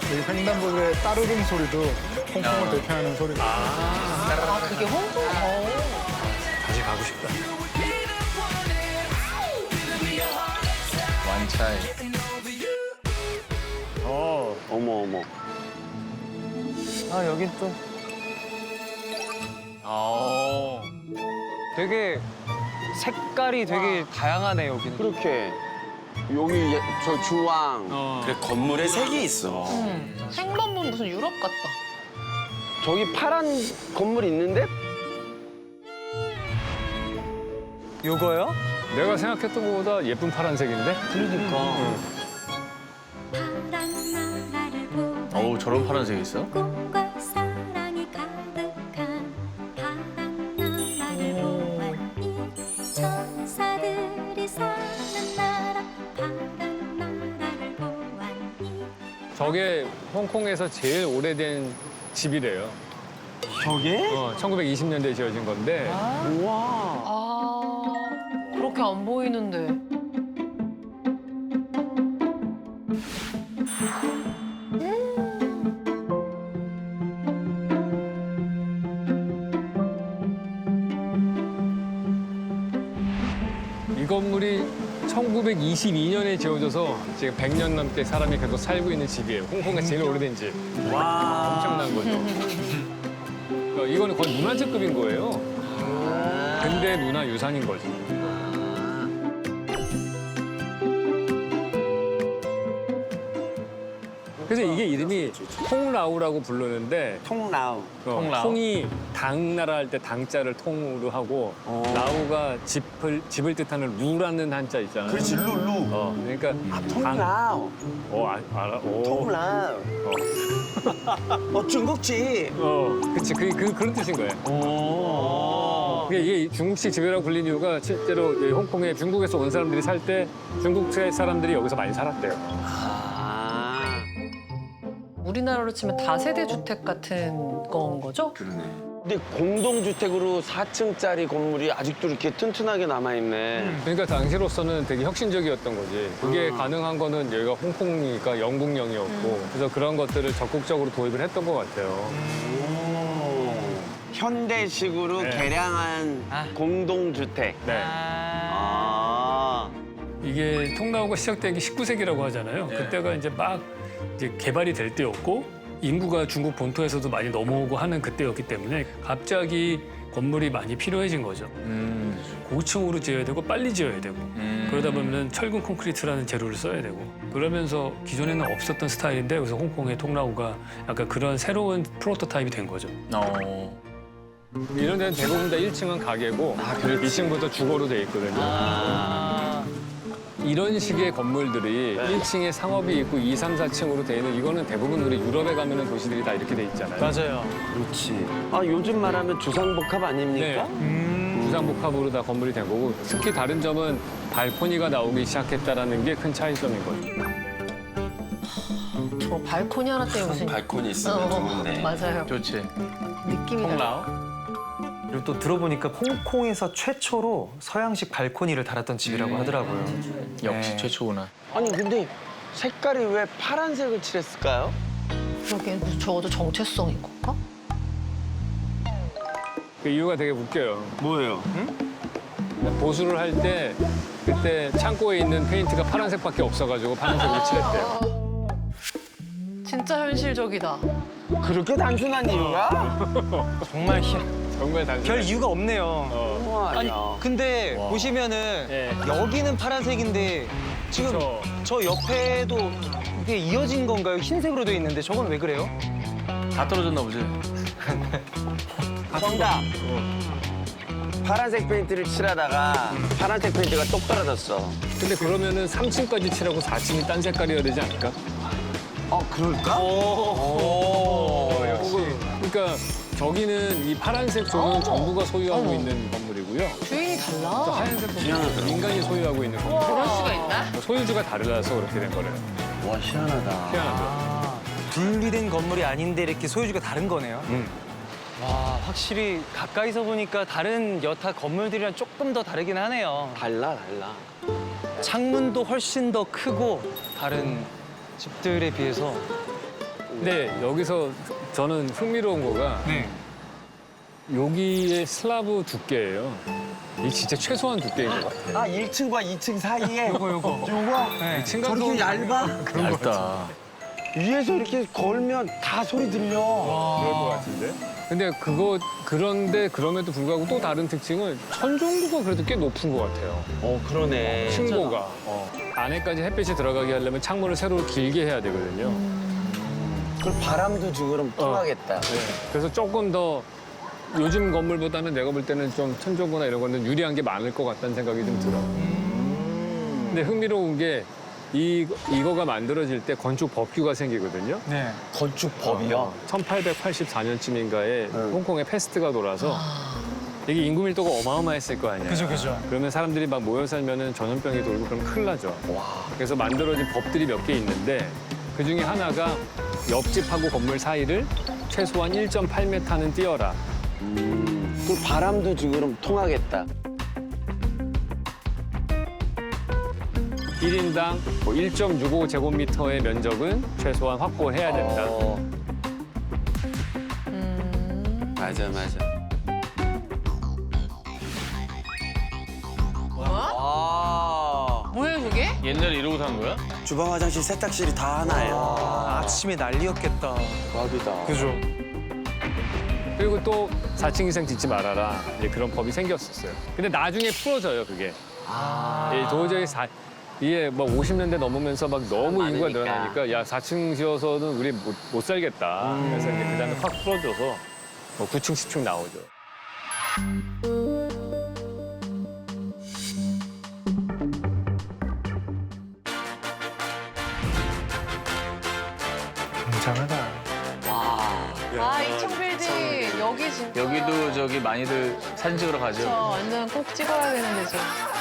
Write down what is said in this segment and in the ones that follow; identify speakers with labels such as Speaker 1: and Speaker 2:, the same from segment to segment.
Speaker 1: 여기 횡단보도의 따르릉 소리도 홍콩을 대표하는 소리다.
Speaker 2: 아, 그게 홍콩?
Speaker 3: 다시 가고 싶다.
Speaker 4: 완차이.
Speaker 5: 어머 어머.
Speaker 3: 아, 여긴 또 되게 색깔이 되게 다양하네, 여기는.
Speaker 5: 그렇게 여기 저 주황.
Speaker 6: 그래 건물에 색이 있어.
Speaker 2: 생만 보면 무슨 유럽 같다.
Speaker 5: 저기 파란 건물 있는데?
Speaker 3: 요거요?
Speaker 7: 내가 생각했던 것보다 예쁜 파란색인데?
Speaker 4: 어우 저런 파란색이 있어?
Speaker 8: 꿈과 사랑이 가득한 파란 나라를 보았니 천사들이 사는 나라 파란 나라를 보았니
Speaker 7: 저게 홍콩에서 제일 오래된 집이래요.
Speaker 5: 저게?
Speaker 7: 1920년대에 지어진 건데
Speaker 5: 우와.
Speaker 2: 아, 그렇게 안 보이는데.
Speaker 7: 이 건물이 1922년에 지어져서 지금 100년 넘게 사람이 계속 살고 있는 집이에요. 홍콩에서 제일 오래된 집.
Speaker 3: 와.
Speaker 7: 엄청난 거죠. 그러니까 이거는 거의 문화재급인 거예요. 근대 문화 유산인 거지. 그래서 이게 이름이 통라우라고 부르는데
Speaker 5: 통라우.
Speaker 7: 통라우? 통이 당나라 할 때 당자를 통으로 하고 라우가 집을 뜻하는 루라는 한자 있잖아요.
Speaker 6: 그렇지 룰루.
Speaker 7: 그러니까
Speaker 5: 통라우.
Speaker 7: 알아. 오.
Speaker 5: 통라우. 중국집.
Speaker 7: 그치 그런 뜻인 거예요. 이게 중국식 집이라고 불린 이유가 실제로 이 홍콩에 중국에서 온 사람들이 살 때 중국 사람들이 여기서 많이 살았대요.
Speaker 2: 우리나라로 치면 다세대 주택 같은 건 거죠?
Speaker 5: 근데 공동주택으로 4층짜리 건물이 아직도 이렇게 튼튼하게 남아있네.
Speaker 7: 그러니까 당시로서는 되게 혁신적이었던 거지. 그게 가능한 거는 여기가 홍콩이니까 영국령이었고 그래서 그런 것들을 적극적으로 도입을 했던 것 같아요.
Speaker 5: 현대식으로
Speaker 7: 네.
Speaker 5: 개량한 공동주택.
Speaker 7: 네.
Speaker 9: 이게 통나우가 시작된 게 19세기라고 하잖아요. 그때가 이제 막 이제 개발이 될 때였고 인구가 중국 본토에서도 많이 넘어오고 하는 그때였기 때문에 갑자기 건물이 많이 필요해진 거죠. 고층으로 지어야 되고 빨리 지어야 되고 그러다 보면 철근 콘크리트라는 재료를 써야 되고 그러면서 기존에는 없었던 스타일인데 그래서 홍콩의 통나우가 약간 그런 새로운 프로토타입이 된 거죠.
Speaker 7: 이런 데는 대부분 다 1층은 가게고 2층부터 주거로 돼 있거든요. 이런 식의 건물들이 1층에 상업이 있고 2, 3, 4층으로 돼 있는 이거는 대부분 우리 유럽에 가면 도시들이 다 이렇게 돼 있잖아요.
Speaker 3: 맞아요.
Speaker 5: 그렇지. 요즘 말하면 주상복합 아닙니까?
Speaker 7: 주상복합으로 다 건물이 된 거고 특히 다른 점은 발코니가 나오기 시작했다라는 게 큰 차이점인 거죠.
Speaker 2: 저 발코니 하나 때문에 무슨.
Speaker 6: 발코니 있으면 좋은데.
Speaker 2: 맞아요.
Speaker 4: 좋지.
Speaker 2: 느낌이 달라.
Speaker 4: 통라우?
Speaker 3: 그리고 또 들어보니까 홍콩에서 최초로 서양식 발코니를 달았던 집이라고 하더라고요.
Speaker 4: 역시
Speaker 3: 네.
Speaker 4: 최초구나.
Speaker 5: 아니 근데 색깔이 왜 파란색을 칠했을까요?
Speaker 2: 그러게 무슨 적어도 정체성인 건가?
Speaker 7: 그 이유가 되게 웃겨요.
Speaker 5: 뭐예요?
Speaker 7: 보수를 할 때 그때 창고에 있는 페인트가 파란색밖에 없어가지고 파란색으로 칠했대요.
Speaker 2: 진짜 현실적이다.
Speaker 5: 그렇게 단순한 이유가?
Speaker 3: 정말
Speaker 7: 정말 단순.
Speaker 3: 별 이유가 없네요.
Speaker 5: 우와,
Speaker 3: 아니
Speaker 5: 아니야.
Speaker 3: 근데 보시면은
Speaker 7: 예.
Speaker 3: 여기는 파란색인데 지금
Speaker 7: 그쵸.
Speaker 3: 저 옆에도 이게 이어진 건가요? 흰색으로 돼 있는데 저건 왜 그래요?
Speaker 4: 다 떨어졌나 보지.
Speaker 5: 정답. 파란색 페인트를 칠하다가 파란색 페인트가 똑 떨어졌어.
Speaker 7: 근데 그러면은 3층까지 칠하고 4층이 딴 색깔이어야 되지 않을까?
Speaker 5: 그럴까?
Speaker 7: 역시. 그러니까 저기는 이 파란색 존은 정부가 소유하고 있는 건물이고요.
Speaker 2: 주인이
Speaker 7: 또
Speaker 2: 달라.
Speaker 7: 하얀색 건물은 민간이 소유하고 있는 건물.
Speaker 2: 그럴 수가 있나?
Speaker 7: 소유주가 다르다서 그렇게 된 거래요.
Speaker 5: 와, 희한하다.
Speaker 7: 희한하죠.
Speaker 3: 분리된 건물이 아닌데 이렇게 소유주가 다른 거네요. 와 확실히 가까이서 보니까 다른 여타 건물들이랑 조금 더 다르긴 하네요.
Speaker 5: 달라.
Speaker 3: 창문도 훨씬 더 크고 다른 집들에 비해서
Speaker 7: 근데 여기서 저는 흥미로운 거가
Speaker 3: 네.
Speaker 7: 여기의 슬라브 두께예요. 이게 진짜 최소한 두께인 것 같아요.
Speaker 5: 아 1층과 2층 사이에
Speaker 3: 요거.
Speaker 5: 네.
Speaker 7: 층간소음
Speaker 5: 저렇게 얇아?
Speaker 4: 얇다.
Speaker 5: 위에서 이렇게 걸면 다 소리 들려.
Speaker 7: 근데 그런데 그럼에도 불구하고 또 다른 특징은 천정부가 그래도 꽤 높은 것 같아요.
Speaker 5: 그러네.
Speaker 7: 층고가. 안에까지 햇빛이 들어가게 하려면 창문을 세로 길게 해야 되거든요.
Speaker 5: 그럼 바람도 지금 그럼 통하겠다.
Speaker 7: 그래서 조금 더 요즘 건물보다는 내가 볼 때는 좀 천정부나 이런 거는 유리한 게 많을 것 같다는 생각이 좀 들어요. 근데 흥미로운 게 이거가 만들어질 때 건축 법규가 생기거든요.
Speaker 3: 네.
Speaker 5: 건축법이요?
Speaker 7: 1884년쯤인가에 홍콩에 패스트가 돌아서 이게 인구 밀도가 어마어마했을 거 아니에요.
Speaker 3: 그죠.
Speaker 7: 그러면 사람들이 막 모여 살면은 전염병이 돌고 그러면 큰일 나죠. 그래서 만들어진 법들이 몇 개 있는데 그 중에 하나가 옆집하고 건물 사이를 최소한 1.8m는 띄어라.
Speaker 5: 그럼 바람도 지금 그럼 통하겠다.
Speaker 7: 1인당 1.65제곱미터의 면적은 최소한 확보해야 된다.
Speaker 6: 맞아.
Speaker 2: 뭐야 그게?
Speaker 4: 옛날에 이러고 산 거야?
Speaker 6: 주방, 화장실, 세탁실이 다 하나예요.
Speaker 3: 아침에 난리였겠다.
Speaker 5: 대박이다.
Speaker 3: 그죠.
Speaker 7: 그리고 또 4층 이상 짓지 말아라. 이제 그런 법이 생겼었어요. 근데 나중에 풀어져요, 그게. 예, 도저히 이게 뭐 50년대 넘으면서 막 너무 인구가 늘어나니까 야, 4층 지어서는 우리 못 살겠다. 그래서 이제 그다음에 확 풀어줘서 뭐 9층, 10층 나오죠.
Speaker 3: 굉장하다.
Speaker 2: 아, 이 청빌딩 여기 진짜.
Speaker 4: 여기도 저기 많이들 사진 찍으러 가죠.
Speaker 2: 저 완전 꼭 찍어야 되는 데죠.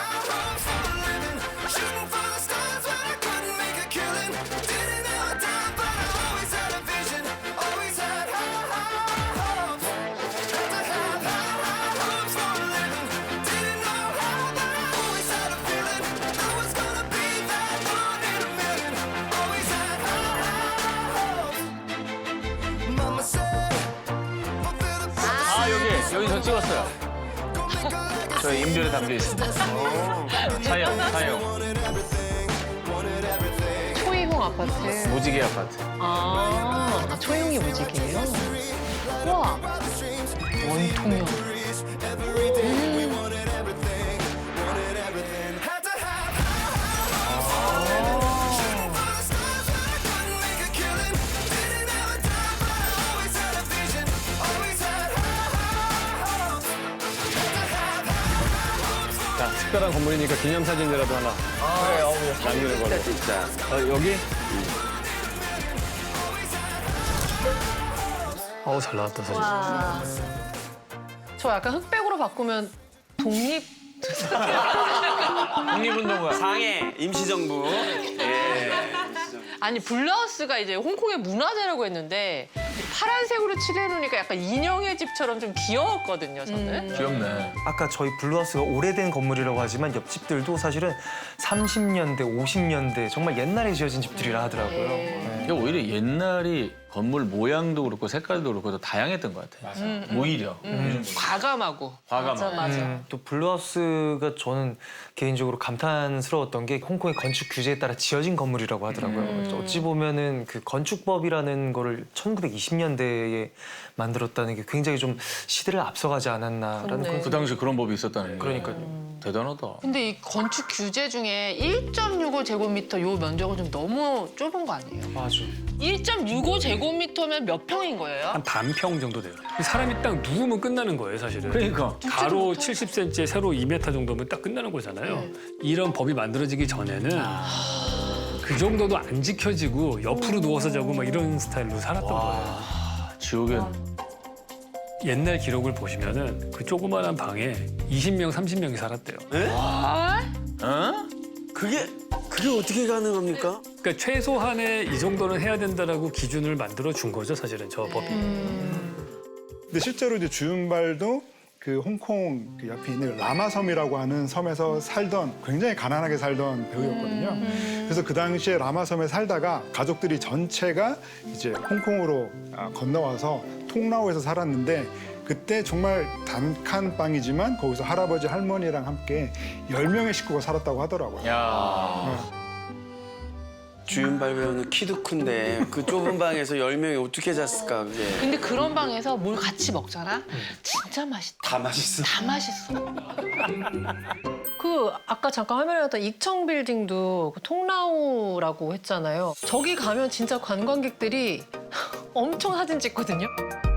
Speaker 4: 아, 여기 저 찍었어요. 저 인별에 담겨 있습니다. 사형.
Speaker 2: 초이홍 아파트.
Speaker 4: 무지개 아파트.
Speaker 2: 초이홍이 무지개예요? 우와. 원통형.
Speaker 7: 자, 특별한 건물이니까 기념사진이라도 하나 남기는 걸로.
Speaker 5: 진짜.
Speaker 7: 여기?
Speaker 9: 어우 잘 나왔다 사진.
Speaker 2: 와. 저 약간 흑백으로 바꾸면 독립.
Speaker 4: 독립운동가.
Speaker 6: 상해, 임시정부.
Speaker 2: 아니 블라우스가 이제 홍콩의 문화재라고 했는데 파란색으로 칠해놓으니까 약간 인형의 집처럼 좀 귀여웠거든요, 저는.
Speaker 4: 귀엽네.
Speaker 3: 아까 저희 블루하우스가 오래된 건물이라고 하지만 옆집들도 사실은 30년대, 50년대 정말 옛날에 지어진 집들이라 하더라고요. 네.
Speaker 4: 이게 오히려 옛날이 건물 모양도 그렇고 색깔도 그렇고 더 다양했던 것 같아요. 오히려.
Speaker 2: 과감하고.
Speaker 4: 과감하고.
Speaker 2: 맞아.
Speaker 3: 또 블루하우스가 저는 개인적으로 감탄스러웠던 게 홍콩의 건축 규제에 따라 지어진 건물이라고 하더라고요. 그래서 어찌 보면은 그 건축법이라는 거를 1920년대에 만들었다는 게 굉장히 좀 시대를 앞서가지 않았나라는
Speaker 2: 그렇네.
Speaker 4: 그 당시 그런 법이 있었다는 게.
Speaker 3: 그러니까요.
Speaker 4: 대단하다.
Speaker 2: 근데 이 건축 규제 중에 1.65제곱미터 요 면적은 좀 너무 좁은 거 아니에요?
Speaker 3: 맞아.
Speaker 2: 1.65제곱미터면 몇 평인 거예요?
Speaker 9: 한 반평 정도 돼요. 사람이 딱 누우면 끝나는 거예요, 사실은.
Speaker 4: 그러니까.
Speaker 9: 가로 70cm, 세로 2m 정도면 딱 끝나는 거잖아요. 이런 법이 만들어지기 전에는 그 정도도 안 지켜지고 옆으로 누워서 자고 막 이런 스타일로 살았던 거예요.
Speaker 4: 지옥엔.
Speaker 9: 옛날 기록을 보시면은 그 조그마한 방에 20명, 30명이 살았대요.
Speaker 4: 어?
Speaker 5: 그게 어떻게 가능합니까?
Speaker 9: 그러니까 최소한의 이 정도는 해야 된다라고 기준을 만들어 준 거죠, 사실은 저 법이.
Speaker 1: 근데 실제로 이제 주윤발도 그 홍콩 그 옆에 있는 라마섬이라고 하는 섬에서 살던 굉장히 가난하게 살던 배우였거든요. 그래서 그 당시에 라마섬에 살다가 가족들이 전체가 이제 홍콩으로 건너와서 통라오에서 살았는데 그때 정말 단칸방이지만 거기서 할아버지 할머니랑 함께 10명의 식구가 살았다고 하더라고요.
Speaker 4: 야.
Speaker 6: 주윤발 배우는 키도 큰데 그 좁은 방에서 10명이 어떻게 잤을까 그게.
Speaker 2: 근데 그런 방에서 뭘 같이 먹잖아? 진짜 맛있다.
Speaker 6: 다 맛있어.
Speaker 2: 다 맛있어.
Speaker 10: 그 아까 잠깐 화면에 나왔던 익청 빌딩도 그 통라우라고 했잖아요. 저기 가면 진짜 관광객들이 엄청 사진 찍거든요.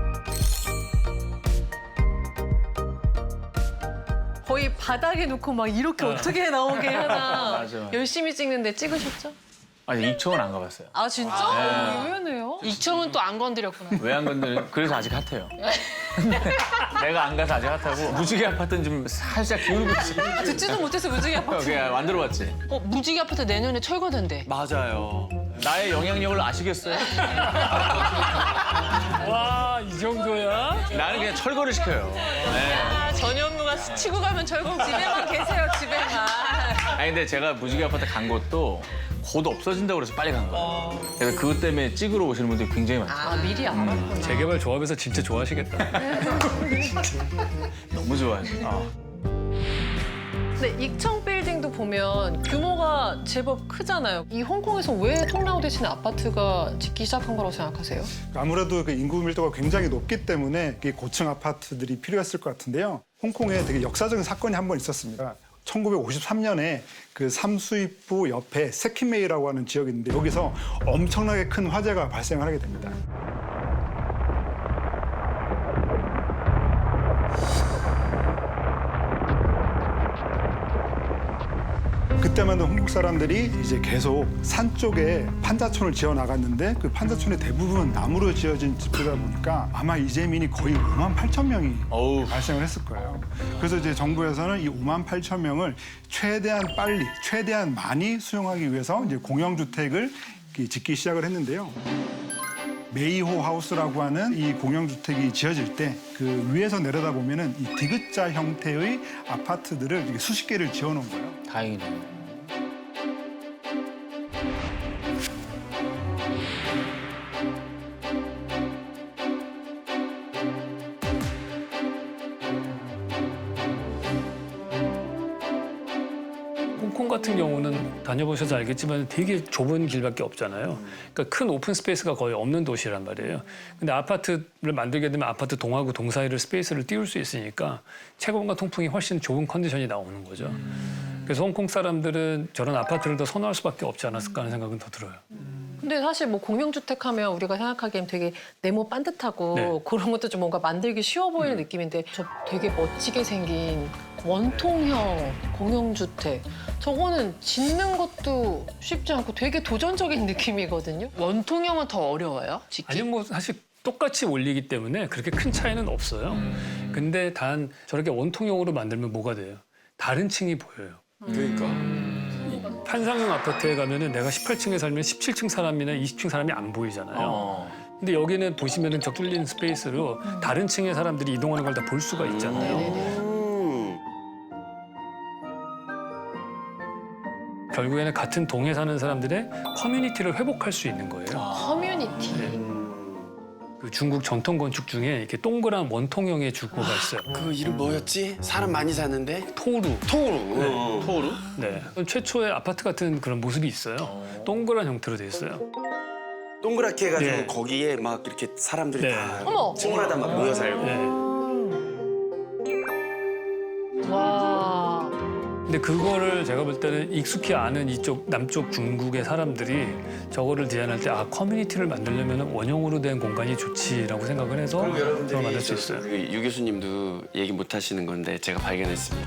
Speaker 10: 거의 바닥에 놓고 막 이렇게 어떻게 나오게 하나
Speaker 4: 맞아.
Speaker 10: 열심히 찍는데 찍으셨죠?
Speaker 4: 아니 익청은 안 가봤어요.
Speaker 10: 아 진짜? 의외네요.
Speaker 2: 이청은 또 안 건드렸구나.
Speaker 4: 왜 안 건드려? 그래서 아직 핫해요. 내가 안 가서 아직 핫하고 무지개 아파트는 좀 살짝 기울고 있어.
Speaker 2: 듣지도 못해서 무지개 아파트.
Speaker 4: 그냥 만들어봤지.
Speaker 2: 무지개 아파트 내년에 철거된대.
Speaker 6: 맞아요.
Speaker 4: 나의 영향력을 아시겠어요?
Speaker 9: 와, 이 정도야?
Speaker 4: 나는 그냥 철거를 시켜요. 네.
Speaker 2: 전현무가 스치고 가면 철거 집에만 계세요, 집에만.
Speaker 4: 아니 근데 제가 무지개 아파트 간 것도 곧 없어진다고 그래서 빨리 간 거예요. 그래서 그것 때문에 찍으러 오시는 분들이 굉장히 많아요.
Speaker 10: 아 미리 알았구나.
Speaker 9: 재개발 조합에서 진짜 좋아하시겠다.
Speaker 4: 너무 좋아요.
Speaker 10: 근데 익청 빌딩도 보면 규모가 제법 크잖아요. 이 홍콩에서 왜 통라우 대신에 아파트가 짓기 시작한 거라고 생각하세요?
Speaker 1: 아무래도 그 인구 밀도가 굉장히 높기 때문에 이 고층 아파트들이 필요했을 것 같은데요. 홍콩에 되게 역사적인 사건이 한 번 있었습니다. 1953년에 그 삼수입부 옆에 세키메이라고 하는 지역이 있는데 여기서 엄청나게 큰 화재가 발생을 하게 됩니다. 그때만 해도 홍콩 사람들이 이제 계속 산 쪽에 판자촌을 지어 나갔는데 그 판자촌의 대부분 나무로 지어진 집이다 보니까 아마 이재민이 거의 5만 8천 명이
Speaker 4: 어우.
Speaker 1: 발생을 했을 거예요. 그래서 이제 정부에서는 이 5만 8천 명을 최대한 빨리, 최대한 많이 수용하기 위해서 이제 공영주택을 짓기 시작을 했는데요. 메이호 하우스라고 하는 이 공영주택이 지어질 때 그 위에서 내려다 보면은 이 디귿자 형태의 아파트들을 이렇게 수십 개를 지어놓은 거예요.
Speaker 4: 다행이네.
Speaker 9: 홍콩 같은 경우는 다녀보셔서 알겠지만 되게 좁은 길밖에 없잖아요. 그러니까 큰 오픈 스페이스가 거의 없는 도시란 말이에요. 근데 아파트를 만들게 되면 아파트 동하고 동 사이를 스페이스를 띄울 수 있으니까 채광과 통풍이 훨씬 좋은 컨디션이 나오는 거죠. 그래서 홍콩 사람들은 저런 아파트를 더 선호할 수밖에 없지 않았을까 하는 생각은 더 들어요.
Speaker 10: 근데 사실 뭐 공영주택 하면 우리가 생각하기엔 되게 네모 반듯하고
Speaker 9: 네.
Speaker 10: 그런 것도 좀 뭔가 만들기 쉬워 보이는 느낌인데 저 되게 멋지게 생긴 원통형 공영주택 저거는 짓는 것도 쉽지 않고 되게 도전적인 느낌이거든요.
Speaker 2: 원통형은 더 어려워요, 짓기?
Speaker 9: 아니면 뭐 사실 똑같이 올리기 때문에 그렇게 큰 차이는 없어요. 근데 단 저렇게 원통형으로 만들면 뭐가 돼요? 다른 층이 보여요.
Speaker 6: 그러니까.
Speaker 9: 판상형 아파트에 가면은 내가 18층에 살면 17층 사람이나 20층 사람이 안 보이잖아요. 근데 여기는 보시면은 저 뚫린 스페이스로 다른 층의 사람들이 이동하는 걸 다 볼 수가 있잖아요. 결국에는 같은 동에 사는 사람들의 커뮤니티를 회복할 수 있는 거예요.
Speaker 10: 커뮤니티.
Speaker 9: 그 중국 전통 건축 중에 이렇게 동그란 원통형의 주거가 있어요.
Speaker 6: 그 이름 뭐였지? 사람 많이 사는데?
Speaker 9: 토루.
Speaker 6: 토우루.
Speaker 4: 토우루?
Speaker 9: 네. 최초의 아파트 같은 그런 모습이 있어요. 동그란 형태로 돼 있어요.
Speaker 6: 동그랗게 해가지고
Speaker 9: 네.
Speaker 6: 거기에 막 이렇게 사람들이
Speaker 9: 네.
Speaker 6: 다
Speaker 10: 어머!
Speaker 6: 층마다 막 모여 살고.
Speaker 9: 네.
Speaker 10: 와.
Speaker 9: 근데 그거를 제가 볼 때는 익숙히 아는 이쪽 남쪽 중국의 사람들이 저거를 디자인할 때 아 커뮤니티를 만들려면 원형으로 된 공간이 좋지라고 생각을 해서
Speaker 6: 그리고
Speaker 9: 그걸
Speaker 6: 여러분들이
Speaker 9: 만들 수 있어요.
Speaker 6: 유 교수님도 얘기 못 하시는 건데 제가 발견했습니다.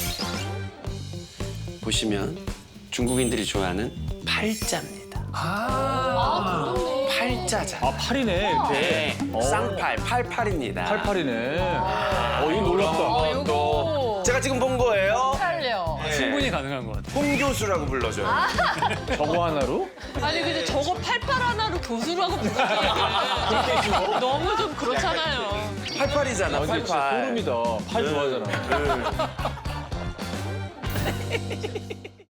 Speaker 6: 보시면 중국인들이 좋아하는 팔자입니다. 팔자자.
Speaker 4: 아 팔이네 이렇게.
Speaker 6: 네, 쌍팔, 팔팔입니다.
Speaker 4: 팔팔이네. 이거 놀랍다.
Speaker 10: 요거
Speaker 6: 제가 지금 본 거예요.
Speaker 10: 살려.
Speaker 9: 충분히 가능한 것 같아요.
Speaker 6: 홍교수라고 불러줘요.
Speaker 4: 저거 하나로?
Speaker 2: 아니 근데 저거 팔팔 하나로 교수라고 부르기에는 너무 좀 그렇잖아요.
Speaker 6: 88이잖아,
Speaker 4: 근데 진짜
Speaker 6: 88.
Speaker 4: 소름이다. 팔 좋아하잖아.